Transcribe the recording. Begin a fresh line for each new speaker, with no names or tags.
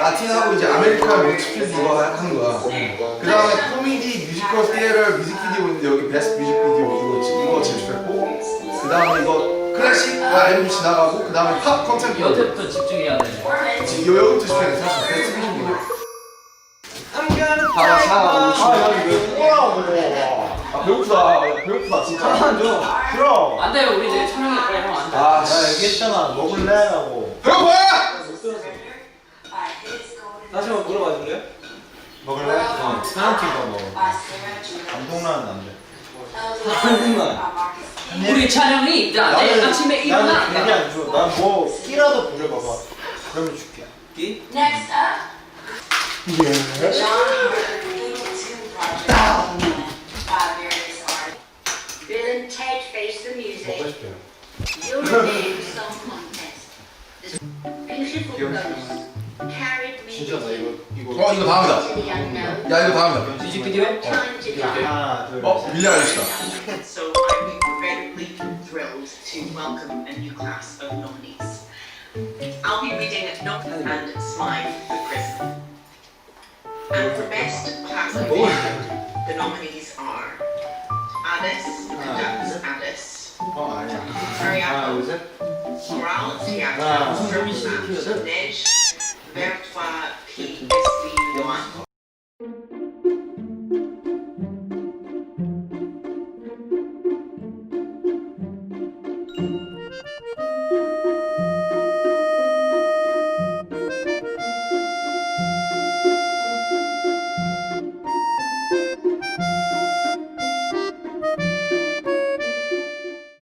라틴하고 이제 아메리칸 뮤직비디오 이거 하는 거야. 그 다음에 코미디, 뮤지컬, 티에러 뮤직비디오 있는데 여기 베스트 뮤직비디오 이거 제출했고, 그 다음에 이거 클래식 앨범 지나가고, 그 다음에 팝 컨텐츠.
여태부터 집중해야 돼.
여기부터 집중해. 사실 베스트 뮤직비디오. 배고프다 진짜.
그럼.
안 돼요, 우리 내일 촬영할 거야, 형. 안 돼.
나 얘기했잖아. 먹을래라고.
배고파!
다시 한번 물어봐 줄래?
먹을래? 사랑티가 먹어. 감동라는 안 돼.
한국만.
우리 촬영이 나 내일 아침에 일어나.
나는 괜히 안 줘. 난 뭐 끼라도 부려봐봐. 그러면 줄게.
끼?
Next up, John Hurt Two Project by various artists. Bill and Ted Face the
먹고
Music.
싶어요.
European Song Contest. This beautiful ghost carried me
진짜 나 이거
이거 다음이다.
to the unknown.
야 이거 다음이다.
뮤직비디오?
Time to die.
하나 둘
밀리 알리시다.
So I'm incredibly thrilled to welcome a new class of nominees. I'll be reading Knock and Smile for Prism. And for Best Classification, the nominees are Alice conducts Alice,
아니야. 하나
Ariadne
둘 셋.
Morale
하나,
Theatre, Neige, Vertois